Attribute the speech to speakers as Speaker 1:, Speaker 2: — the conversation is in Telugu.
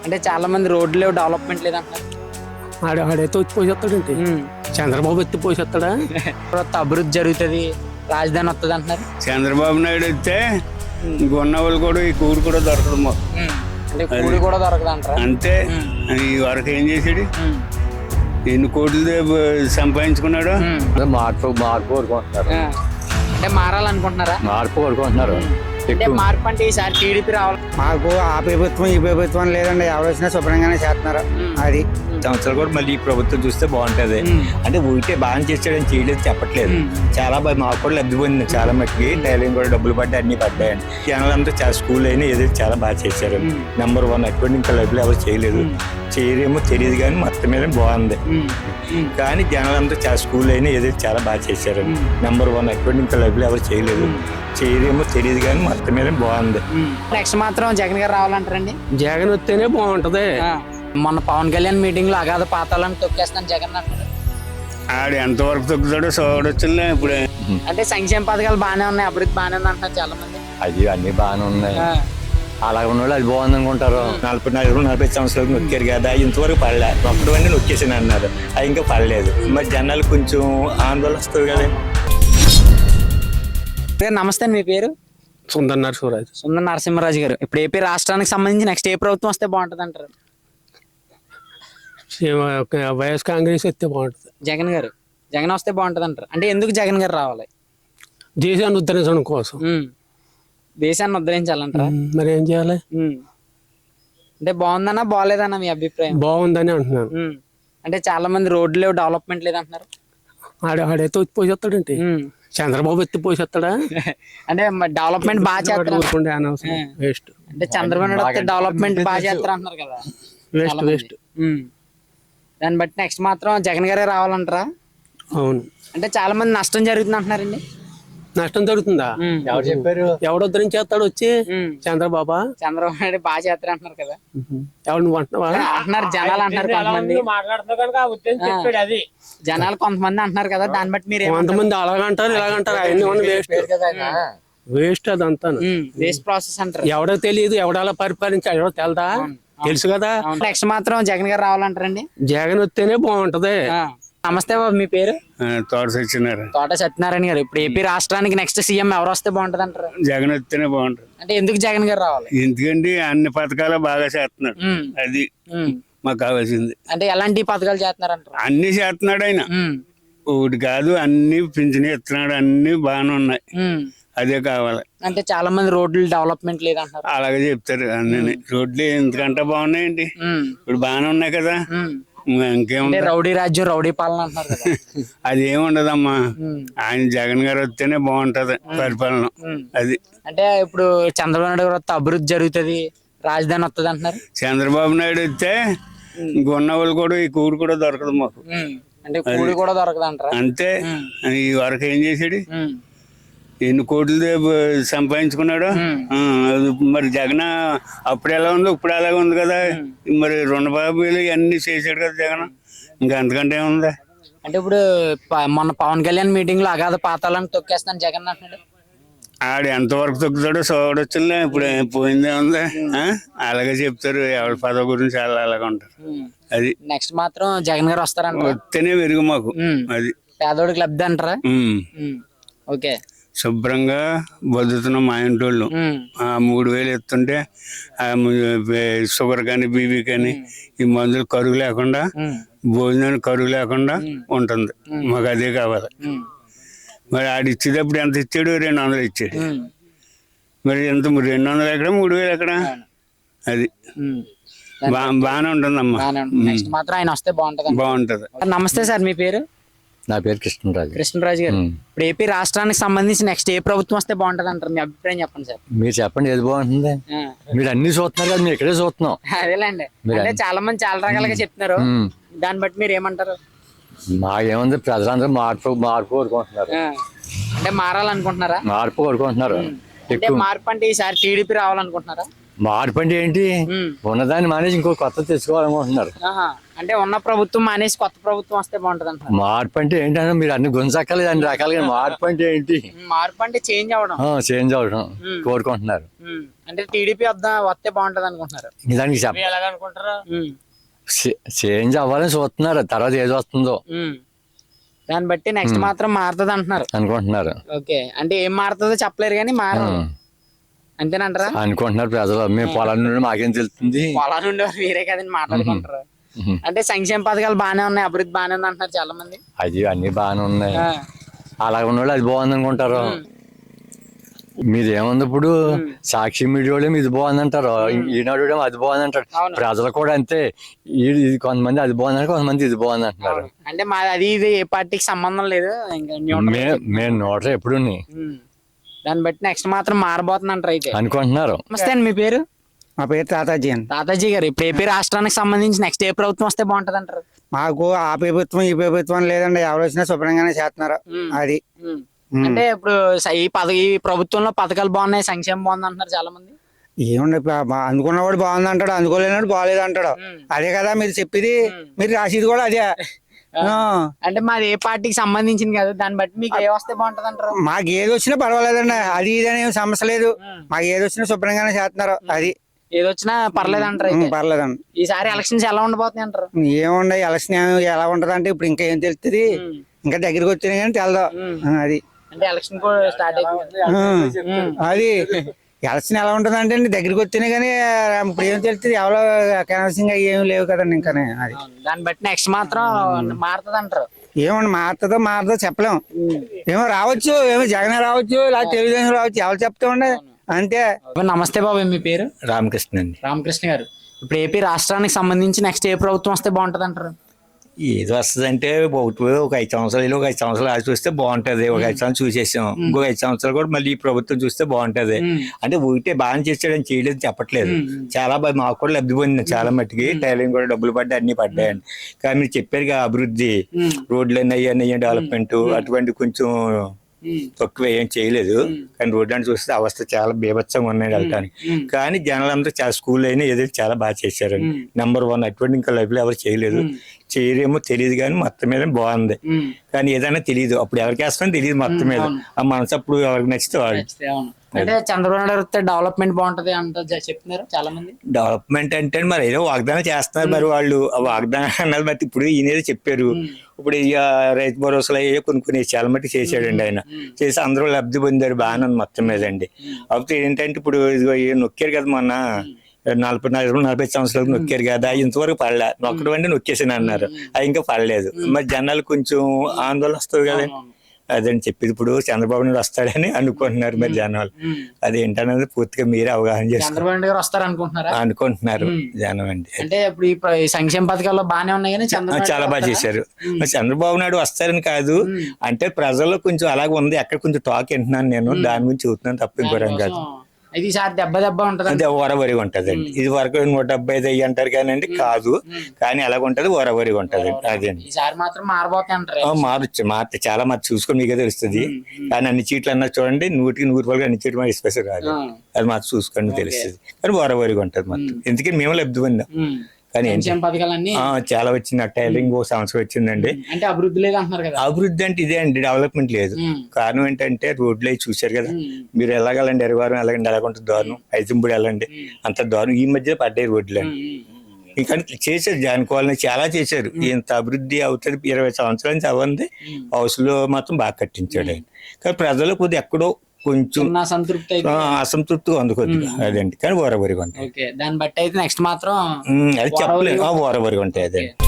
Speaker 1: అంటే చాలా మంది రోడ్లు డెవలప్మెంట్ లేదంటారు.
Speaker 2: ఆడైతే వచ్చి పోసేస్తాడండి. చంద్రబాబు ఎత్తి పోసేస్తాడా?
Speaker 1: అభివృద్ధి జరుగుతుంది, రాజధాని వస్తుంది అంటున్నారు.
Speaker 3: చంద్రబాబు నాయుడు వస్తే ఉన్న వాళ్ళు కూడా ఈ కూడు కూడా దొరకదు మాకు.
Speaker 1: అంటే కూడి కూడా దొరకదు అంటారా?
Speaker 3: అంతే. ఈ వరకు ఏం చేసాడు, ఎన్ని కోట్లు సంపాదించుకున్నాడు.
Speaker 4: మార్పు కోరుకుంటున్నారు.
Speaker 1: అంటే మారాలనుకుంటున్నారా?
Speaker 4: మార్పు కోరుకుంటున్నారు.
Speaker 1: అంటే మార్పు అంటే ఈసారి టీడీపీ రావాలి.
Speaker 5: మాకు ఆ ప్రభుత్వం ఈ ప్రభుత్వం లేదండి, ఎవరు వచ్చినా శుభ్రంగానే చేస్తున్నారు. అది
Speaker 4: సంవత్సరాలు కూడా మళ్ళీ ఈ ప్రభుత్వం చూస్తే బాగుంటది. అంటే ఊరికే బాగా చేసాడని చేయలేదు చెప్పట్లేదు. చాలా బాగా మాకు కూడా లబ్ధి పొందింది. చాలా మట్టుకి టైలింగ్ కూడా డబ్బులు పడ్డాయి, అన్ని పడ్డాయని. జనాలంతా చాలా స్కూల్ అయినా ఏదో చాలా బాగా చేశారు. నెంబర్ 1 అటువంటి ఇంకా లబ్ధులు ఎవరు చేయలేదు. చేయరేమో తెలియదు కానీ మొత్తం మీద బాగుంది. కానీ జనాలంతా చాలా స్కూల్ అయినా ఏదో చాలా బాగా చేశారు. నెంబర్ 1 అటువంటి ఇంకా లబ్ధులు ఎవరు చేయలేదు. చేయరేమో తెలియదు కానీ మొత్తం మీద బాగుంది.
Speaker 1: నెక్స్ట్ మాత్రం జగన్ గారు రావాలంటారండి.
Speaker 2: జగన్ వస్తేనే బాగుంటది.
Speaker 1: మొన్న పవన్ కళ్యాణ్ మీటింగ్ లో అగాధ పాతాలను తొక్కేస్తాను జగన్ అంటారు.
Speaker 3: ఆడు ఎంతవరకు తొక్కుతాడో చూడొచ్చులే ఇప్పుడే.
Speaker 1: అంటే సంక్షేమ పథకాలు బాగానే ఉన్నాయి, అభివృద్ధి బాగానే ఉంది అంటున్నారు చాలా మంది.
Speaker 4: అది అన్ని బాగానే ఉన్నాయి. అలా ఉన్న వాళ్ళు అది బాగుంది అనుకుంటారు. 40 సంవత్సరాలకు నొక్కారు కదా, ఇంతవరకు పడలే. ఒక్కడవన్నీ నొక్కేసాను అన్నారు, అది ఇంకా పడలేదు. మరి జనాలు కొంచెం ఆందోళన వస్తుంది కదా.
Speaker 1: నమస్తే, మీ పేరు?
Speaker 2: సుందర్ నరసింహరాజు.
Speaker 1: సుందర్ నరసింహరాజు గారు, ఇప్పుడు ఏపీ రాష్ట్రానికి సంబంధించి నెక్స్ట్ ఏ ప్రభుత్వం వస్తే బాగుంటది అంటారు?
Speaker 2: వైఎస్ కాంగ్రెస్ వస్తే బాగుంటది.
Speaker 1: జగన్ వస్తే బాగుంటది అంటారు. అంటే ఎందుకు జగన్ గారు రావాలి?
Speaker 2: దేశాన్ని ఉద్ధరించడం కోసం.
Speaker 1: దేశాన్ని ఉద్ధరించాలంటారా?
Speaker 2: మరి ఏం చేయాలి?
Speaker 1: అంటే బాగుందన్నా బాగాలేదన్నా మీ అభిప్రాయం?
Speaker 2: బాగుందని అంటున్నాను.
Speaker 1: అంటే చాలా మంది రోడ్లు డెవలప్మెంట్ లేదంటున్నారు.
Speaker 2: ఆడైతే వచ్చి పోసేస్తాడండి. చంద్రబాబు ఎత్తి పోసేస్తాడా?
Speaker 1: అంటే డెవలప్మెంట్ బాగా చేస్తారు.
Speaker 2: వేస్ట్.
Speaker 1: అంటే చంద్రబాబు నాయుడు వస్తే డెవలప్మెంట్ బాగా చేస్తారు అంటున్నారు కదా.
Speaker 2: వేస్ట్.
Speaker 1: దాన్ని బట్టి నెక్స్ట్ మాత్రం జగన్ గారే రావాలంటారా?
Speaker 2: అవును.
Speaker 1: అంటే చాలా మంది నష్టం జరుగుతుంది అంటున్నారండి.
Speaker 2: నష్టం జరుగుతుందా?
Speaker 4: ఎవరు చెప్పారు?
Speaker 2: ఎవడు ఉద్ధరించేస్తాడు వచ్చి? చంద్రబాబు
Speaker 1: నాయుడు బాగా చేస్తారు అంటున్నారు కదా.
Speaker 2: ఎవరు నువ్వు అంటున్నావా?
Speaker 1: అంటున్నారు జనాలు, అంటున్నారు కొంతమంది. జనాలు కొంతమంది అంటున్నారు కదా, దాన్ని బట్టి మీరు
Speaker 2: కొంతమంది అలాగంటారు ఇలాగంటారు. అవన్నీ వేస్ట్ అదంతా.
Speaker 1: వేస్ట్ ప్రాసెస్ అంటారు.
Speaker 2: ఎవడో తెలియదు, ఎవడలా పరిపాలించాడు ఎవడో తెలదా? తెలుసు కదా.
Speaker 1: నెక్స్ట్ మాత్రం జగన్ గారు రావాలంటారండి.
Speaker 2: జగన్ వస్తేనే బాగుంటది.
Speaker 1: నమస్తే బాబు, మీ పేరు?
Speaker 3: తోట
Speaker 1: సత్యనారాయణ గారు, ఇప్పుడు ఏపీ రాష్ట్రానికి నెక్స్ట్ సీఎం ఎవరు వస్తే బాగుంటది అంటారు?
Speaker 3: జగన్ వస్తేనే బాగుంటది.
Speaker 1: అంటే ఎందుకు జగన్ గారు రావాలి?
Speaker 3: ఎందుకంటే అన్ని పథకాలు బాగా చేస్తున్నాడు. అది మాకు కావాల్సింది.
Speaker 1: అంటే ఎలాంటి పథకాలు చేస్తున్నారంటారు?
Speaker 3: అన్ని చేస్తున్నాడు ఆయన. ఒకటి కాదు, అన్ని పింఛన్ ఇస్తున్నాడు, అన్ని బాగానే ఉన్నాయి. అదే కావాలి.
Speaker 1: అంటే చాలా మంది రోడ్లు డెవలప్మెంట్ లేదంటారు.
Speaker 3: అలాగే చెప్తారు. అన్ని రోడ్లు ఎందుకంటే బాగున్నాయండి, ఇప్పుడు బాగానే ఉన్నాయి కదా. ఇంకేముంది,
Speaker 1: రౌడీ రాజ్యం రౌడీ పాలన అంటున్నారు కదా.
Speaker 3: అది ఏముండదమ్మా. ఆయన జగన్ గారు వస్తేనే బాగుంటది పరిపాలన. అది
Speaker 1: అంటే ఇప్పుడు చంద్రబాబు నాయుడు గారు వస్తే అభివృద్ధి జరుగుతుంది, రాజధాని వస్తుంది అంటున్నారు.
Speaker 3: చంద్రబాబు నాయుడు వస్తే ఉన్న వాళ్ళు కూడా ఈ కూడు కూడా దొరకదు మాకు.
Speaker 1: అంటే కూడి కూడా దొరకదు అంటారా?
Speaker 3: అంతే. ఈ వరకు ఏం చేసాడు, ఎన్ని కోట్లు సంపాదించుకున్నాడు. మరి జగన్ అప్పుడు ఎలా ఉంది, ఇప్పుడు అలాగే ఉంది కదా. మరి రుణబాబులు అన్ని చేశాడు కదా జగన్, ఇంకా అంతకంటే ఏముందా.
Speaker 1: అంటే ఇప్పుడు మొన్న పవన్ కళ్యాణ్ మీటింగ్ లో అగాధ పాతాలను తొక్కేస్తాను జగన్ అంటున్నాడు.
Speaker 3: ఆడు ఎంతవరకు తొక్కుతాడో చూడొచ్చులే. ఇప్పుడు పోయిందే ఉంది. అలాగే చెప్తారు, ఎవరి పదవి గురించి చాలా అలాగే ఉంటారు. అది
Speaker 1: నెక్స్ట్ మాత్రం జగన్ గారు వస్తారంట.
Speaker 3: వస్తేనే వెరుగు మాకు. అది
Speaker 1: పేదోడికి లబ్ధి అంటారా? ఓకే.
Speaker 3: శుభ్రంగా బతుకుతున్నాం మా ఇంటోళ్ళు. 3000 ఎత్తుంటే షుగర్ కానీ బీపీ కానీ ఈ మందులు కరువు లేకుండా, భోజనానికి కరువు లేకుండా ఉంటుంది. మాకు అదే కావాలి. మరి ఆడు ఇచ్చేటప్పుడు ఎంత ఇచ్చాడు? 200 ఇచ్చాడు. మరి ఎంత 200 ఎక్కడ, 3000 ఎక్కడ? అది బాగానే ఉంటుందమ్మా.
Speaker 1: నెక్స్ట్ మాత్రం ఆయన వస్తే బాగుంటది. నమస్తే సార్, మీ పేరు?
Speaker 4: నా పేరు
Speaker 1: కృష్ణరాజు గారు, ఇప్పుడు ఏపీ రాష్ట్రానికి సంబంధించి నెక్స్ట్ ఏ ప్రభుత్వం వస్తే బాగుంటది అంటారు? మీ అభిప్రాయం చెప్పండి సార్.
Speaker 4: మీరు చెప్పండి, ఏది బాగుంటుంది? మీరు అన్ని చూస్తున్నారు కదా, మీరు ఇక్కడే చూస్తున్నాం.
Speaker 1: అదేలేండి. అంటే చాలా మంది చాలా రకాలుగా చెప్తున్నారు, దాన్ని బట్టి మీరు ఏమంటారు?
Speaker 4: మాకేముంది, ప్రజలందరూ మార్పు కోరుకుంటున్నారు.
Speaker 1: అంటే మారాలనుకుంటున్నారా?
Speaker 4: మార్పు కోరుకుంటున్నారు.
Speaker 1: అంటే మార్పు అంటే ఈసారి టీడీపీ రావాలనుకుంటున్నారా?
Speaker 6: మార్పు అంటే ఏంటి?
Speaker 1: ఉమ్.
Speaker 6: ఉన్నదాన్ని మానేసి ఇంకో కొత్త తెచ్చుకోవాలనుకుంటున్నారు.
Speaker 1: ఆహా. అంటే ఉన్న ప్రభుత్వం మానేసి కొత్త ప్రభుత్వం వస్తే బాగుంటది అంటారు.
Speaker 6: మార్పు అంటే ఏంటంటే మీరు అన్ని గుంజక్కర్లేదు అన్ని రకాలుగా. మార్పు అంటే ఏంటి?
Speaker 1: మార్పు అంటే చేంజ్ అవ్వడం.
Speaker 6: చేంజ్ అవడం కోరుకుంటున్నారు.
Speaker 1: అంటే టీడీపీ వస్తే బాగుంటది అనుకుంటున్నారు.
Speaker 6: దానికి
Speaker 1: ఉమ్.
Speaker 6: చేంజ్ అవ్వాలని చూస్తున్నారు. తర్వాత ఏది వస్తుందో
Speaker 1: ఉమ్. దాన్ని బట్టి నెక్స్ట్ మాత్రం మారుతుంది అంటున్నారు.
Speaker 6: అనుకుంటున్నారు.
Speaker 1: ఓకే. అంటే ఏం మారుతుందో చెప్పలేరు కానీ మారదు అంతేనంటారా?
Speaker 6: అనుకుంటున్నారు ప్రజలు. మేము పొలం నుండి మాకేం తెలుస్తుంది?
Speaker 1: పొలాలు నుండి మీరే కదండి మాట్లాడుకుంటారు. అంటే సంక్షేమ పథకాలు బాగానే ఉన్నాయి, అభివృద్ధి బాగానే ఉంది అంటున్నారు చాలా మంది.
Speaker 6: అది అన్ని బాగానే ఉన్నాయి. అలా ఉన్నవాళ్ళు అది బాగుంది అనుకుంటారు. మీది ఏముంది ఇప్పుడు? సాక్షి మీడియా వాళ్ళు ఇది బాగుంది అంటారు, ఈనాడు అది బాగుంది అంటారు. ప్రజలు కూడా అంతే. ఇది కొంతమంది అది బాగుంది అంటారు, కొంతమంది ఇది బాగుంది అంటున్నారు.
Speaker 1: అంటే మా అది ఇది ఏ పార్టీకి సంబంధం లేదు.
Speaker 6: మేము నోటరు ఎప్పుడు
Speaker 1: దాన్ని బట్టి నెక్స్ట్ మాత్రం మారబోతుంది అంటారు అయితే
Speaker 6: అనుకుంటున్నారు.
Speaker 1: నమస్తే అండి, మీ పేరు?
Speaker 5: మా పేరు తాతాజీ అని.
Speaker 1: తాతాజీ గారు, ఇప్పుడు ఏపీ రాష్ట్రానికి సంబంధించి నెక్స్ట్ ఏ ప్రభుత్వం వస్తే బాగుంటది అంటారు?
Speaker 5: మాకు ఆ ప్రభుత్వం ఈ ప్రభుత్వం లేదండి, ఎవరు వచ్చినా శుభ్రంగానే చేస్తున్నారు. అది
Speaker 1: అంటే ఇప్పుడు ఈ ప్రభుత్వంలో పథకాలు బాగున్నాయి, సంక్షేమం బాగుంది అంటున్నారు చాలా మంది.
Speaker 5: ఏముండే అందుకున్నవాడు బాగుంది అంటాడు, అందుకోలేనాడు బాగాలేదు అంటాడు. అదే కదా మీరు చెప్పేది, మీరు రాసేది కూడా అదే.
Speaker 1: అంటే మాది ఏ పార్టీకి సంబంధించింది కదా, దాన్ని బట్టి మీకు ఏ వస్తే బాగుంటది అంటారు?
Speaker 5: మాకు ఏది వచ్చినా పర్వాలేదండి, అది ఇది అని సమస్య లేదు. మాకు ఏది వచ్చినా శుభ్రంగానే చేస్తున్నారు. అది
Speaker 1: ఏది వచ్చినా పర్లేదు అంటారు అయితే.
Speaker 5: పర్లేదండి.
Speaker 1: ఈసారి ఎలక్షన్స్ ఎలా ఉండబోతున్నాయి అంటారు?
Speaker 5: ఏముండే ఎలక్షన్ ఎలా ఉంటది అంటే ఇప్పుడు ఇంకా ఏం తెలుస్తుంది, ఇంకా దగ్గరికి వచ్చినాయి కానీ తెలదు. అది
Speaker 1: అంటే ఎలక్షన్ కూడా స్టార్ట్ అయిపోయింది.
Speaker 5: అది ఎలక్షన్ ఎలా ఉంటది అంటే దగ్గరికి వచ్చినాయి కానీ ఇప్పుడు ఏం తెలుస్తుంది, ఎవరో కనీసంగా ఏమి లేవు కదండి ఇంకా. అది
Speaker 1: దాన్ని బట్టి నెక్స్ట్ మాత్రం మారుతుంది అంటారు.
Speaker 5: ఏమండి మారుతుందో చెప్పలేము. ఏమో రావచ్చు, ఏమో జగన్ రావచ్చు, లేదా తెలుగుదేశం రావచ్చు, ఎవరు చెప్తామండి అంతే.
Speaker 1: నమస్తే బాబు, మీ పేరు?
Speaker 4: రామకృష్ణ అండి.
Speaker 1: రామకృష్ణ గారు, ఇప్పుడు ఏపీ రాష్ట్రానికి సంబంధించి నెక్స్ట్ ఏ ప్రభుత్వం వస్తే బాగుంటది అంటారు?
Speaker 4: ఏది వస్తుందంటే ఒక 5 సంవత్సరాలు ఒక 5 సంవత్సరాలు ఆగి చూస్తే బాగుంటది. ఒక 5 సంవత్సరాలు చూసేసాం, ఇంకో 5 సంవత్సరాలు కూడా మళ్ళీ ఈ ప్రభుత్వం చూస్తే బాగుంటది. అంటే ఊరికే బాగా చేసాడని చేయలేదు చెప్పట్లేదు. చాలా బాగా మాకు కూడా లబ్ధి పొందింది చాలా మట్టుకి. టైలింగ్ కూడా డబ్బులు పడ్డాయి, అన్ని పడ్డాయండి. కానీ మీరు చెప్పారు అభివృద్ధి, రోడ్లు అయ్యి డెవలప్మెంట్ అటువంటి కొంచెం తక్కువ ఏం చేయలేదు. కానీ రోడ్డు అని చూస్తే అవస్థ చాలా బీభత్సంగా ఉన్నాయి వెళ్ళటానికి. కానీ జనాలందరూ చాలా స్కూల్ అయినా ఏదో చాలా బాగా చేశారండి. నెంబర్ 1 అటువంటి ఇంకా లైఫ్ లో ఎవరు చేయలేదు. చేయరేమో తెలియదు కానీ మొత్తం మీద బాగుంది. కానీ ఏదైనా తెలియదు, అప్పుడు ఎవరికి వేస్తామని తెలియదు. మొత్తం మీద ఆ మనసు అప్పుడు ఎవరికి నచ్చితే వాళ్ళు.
Speaker 1: అంటే చంద్రబాబు నాయుడు వస్తే డెవలప్మెంట్ బాగుంటది అంట చెప్తున్నారు చాలా మంది.
Speaker 4: డెవలప్మెంట్ అంటే మరి ఏదో వాగ్దానం చేస్తున్నారు మరి వాళ్ళు. ఆ వాగ్దానం అన్నది మరి ఇప్పుడు ఈయన చెప్పారు. ఇప్పుడు రైతు భరోసాలు అయ్యే కొన్ని చాలా మట్టి చేశాడండి ఆయన. చేసి అందరూ లబ్ధి పొందారు, బాగానే ఉంది మొత్తం మీద అండి. కాకపోతే ఏంటంటే ఇప్పుడు ఇదిగో నొక్కారు కదా మొన్న 45 సంవత్సరాలకు నొక్కారు కదా, ఇంతవరకు పడలే. నొక్కడం అంటే నొక్కేసాను అన్నారు, అది ఇంకా పడలేదు. మరి జనాలు కొంచెం ఆందోళన వస్తుంది కదండి. అదని చెప్పి ఇప్పుడు చంద్రబాబు నాయుడు వస్తాడని అనుకుంటున్నారు మరి జనాలు. అదేంటనేది పూర్తిగా మీరే అవగాహన చేసుకుంటారు అనుకుంటున్నారు జనం అండి.
Speaker 1: అంటే ఇప్పుడు ఈ సంక్షేమ పథకాల్లో బాగానే ఉన్నాయి కానీ
Speaker 4: చాలా బాగా చేశారు. చంద్రబాబు నాయుడు వస్తారని కాదు, అంటే ప్రజల్లో కొంచెం అలాగే ఉంది. ఎక్కడ కొంచెం టాక్ వింటున్నాను నేను, దాని గురించి చూస్తున్నాను తప్ప ఇంకోరం కాదు.
Speaker 1: ఈసారి దెబ్బ ఉంటది,
Speaker 4: అదే ఓరవరిగా ఉంటదండి. ఇది వరకు 175 అంటారు కానీ కాదు, కానీ ఎలాగ ఉంటది ఓరవరిగా ఉంటది. అదే
Speaker 1: ఈసారి మాత్రం
Speaker 4: మారచ్చు చాలా మంది చూసుకొని మీకే తెలుస్తుంది. కానీ అన్ని చీట్లు అన్నా చూడండి 100కి 100 అన్ని చీట్లు మన స్పెషల్ రాదు, అది మాత్రం చూసుకొని తెలుస్తుంది. కానీ ఓరవరిగా ఉంటది మొత్తం. ఎందుకని మేము లబ్ధి పొందాం. కానీ చాలా వచ్చింది. టైలింగ్ 1 సంవత్సరం వచ్చిందండి.
Speaker 1: అంటే అభివృద్ధి లేదు అంటున్నారు కదా.
Speaker 4: అభివృద్ధి అంటే ఇదే అండి, డెవలప్మెంట్ లేదు. కారణం ఏంటంటే రోడ్లు అవి చూశారు కదా మీరు. ఎలాగలండి ఎరవారం ఎలాగండి, ఎలాగంటే దారుణం. ఐజంపూడి వెళ్ళండి, అంత దారుణం. ఈ మధ్య పడ్డాయి రోడ్లు అండి. ఇంకా చేశారు జానుకోవాలని చాలా చేశారు. ఇంత అభివృద్ధి అవుతుంది 20 సంవత్సరాల నుంచి అవ్వంది. హౌస్ లో మాత్రం బాగా కట్టించాడు ఆయన. కానీ ప్రజలు కొద్దిగా ఎక్కడో కొంచెం అసంతృప్తిగా అందుకోద్ది అదండి. కానీ ఓరవరిగా ఉంటాయి.
Speaker 1: దాన్ని బట్టి అయితే నెక్స్ట్ మాత్రం
Speaker 4: అది చెప్పలేదు, ఓరవరిగా ఉంటాయి అదండి.